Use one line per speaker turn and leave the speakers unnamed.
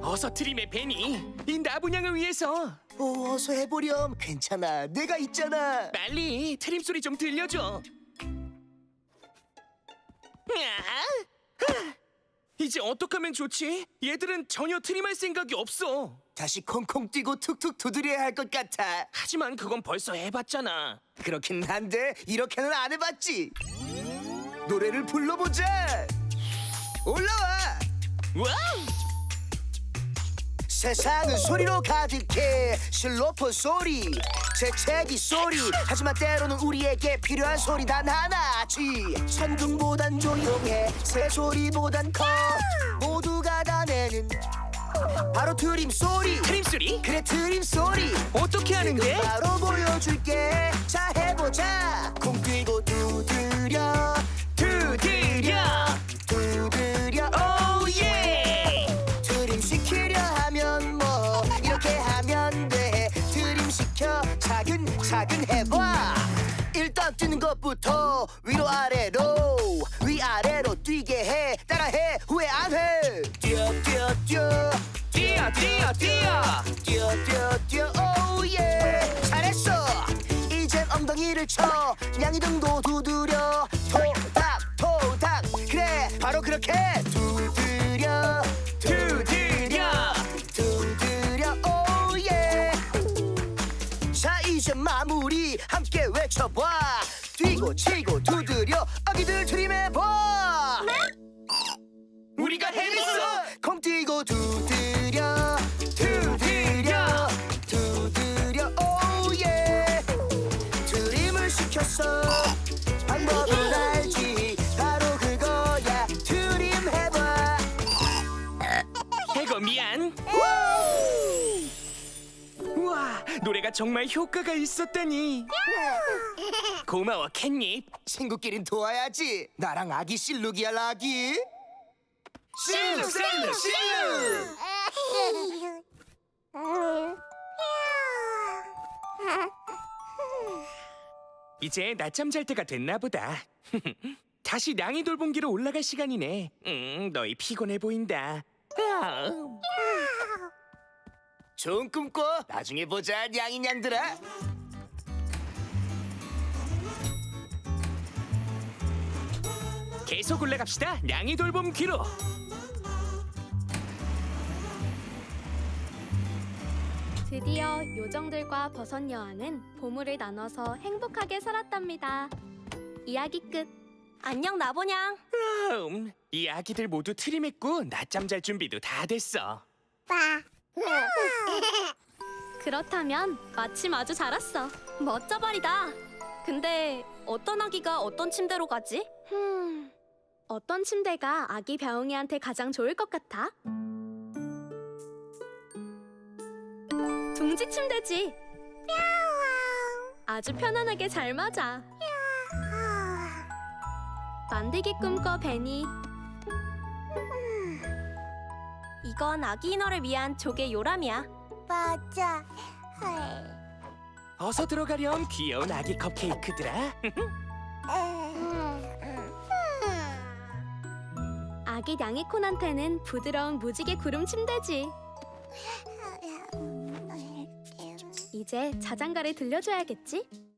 어서 트림해, 베니. 이 나분양을 위해서.
어서 해보렴. 괜찮아, 내가 있잖아.
빨리 트림 소리 좀 들려줘. 이제 어떡하면 좋지? 얘들은 전혀 트림할 생각이 없어.
다시 콩콩 뛰고 툭툭 두드려야 할 것 같아.
하지만 그건 벌써 해봤잖아.
그렇긴 한데 이렇게는 안 해봤지. 노래를 불러보자. 올라와.
와우!
세상은 소리로 가득해. 실로폰 소리, 재채기 소리. 하지만 때로는 우리에게 필요한 소리 단 하나지. 천둥보단 조용해, 새소리보단 커. 모두가 다 내는 바로 트림 소리.
트림 소리?
그래, 트림 소리.
어떻게 하는데?
바로 보여줄게. 자, 해보자. 콩 뛰고 두드려,
두드려!
두드려.
오예!
트림 시키려 하면 뭐 이렇게 하면 돼. 트림 시켜 차근차근 해봐. 일단 뛰는 것부터 위로 아래로, 위아래로 뛰게 해. 따라해, 후회 안 해. 뛰어 뛰어 뛰어
뛰어, 뛰어, 뛰어!
뛰어 뛰어 뛰어. 오예, 잘했어. 이젠 엉덩이를 쳐, 양이등도 두드려. 토닥 토닥. 그래, 바로 그렇게. 두드려
두드려!
두드려. 오예. 자, 이제 마무리 함께 외쳐봐. 뛰고 치고 두드려. 아기들 트림해봐.
우리가 해냈어!
콩 뛰고 두드려, 두드려, 두드려. 오예. 트림을 시켰어. 방법을 알지. 바로 그거야. 트림 해봐.
해거 미안. 우와, 노래가 정말 효과가 있었다니. 고마워, 캣닙.
친구끼린 도와야지. 나랑 아기 실룩이야, 아기. 실룩 실룩 실룩.
이제 낮잠 잘 때가 됐나 보다. 다시 냥이 돌봄기로 올라갈 시간이네. 너희 피곤해 보인다.
좋은 꿈 꿔. 나중에 보자, 냥이냥들아.
계속 올라갑시다. 냥이 돌봄기로.
드디어 요정들과 버섯 여왕은 보물을 나눠서 행복하게 살았답니다. 이야기 끝. 안녕 나보냥.
이 아기들 모두 트림했고 낮잠 잘 준비도 다 됐어.
그렇다면 마침 아주 잘 왔어. 멋져버리다. 근데 어떤 아기가 어떤 침대로 가지? 어떤 침대가 아기 벼웅이한테 가장 좋을 것 같아? 둥지 침대지. 아주 편안하게 잘 맞아. 만들기 꿈꿔 베니. 이건 아기 인어를 위한 조개 요람이야.
맞아.
어서 들어가렴, 귀여운 아기 컵케이크들아.
아기 냥이콘한테는 부드러운 무지개 구름 침대지. 이제 자장가를 들려줘야겠지?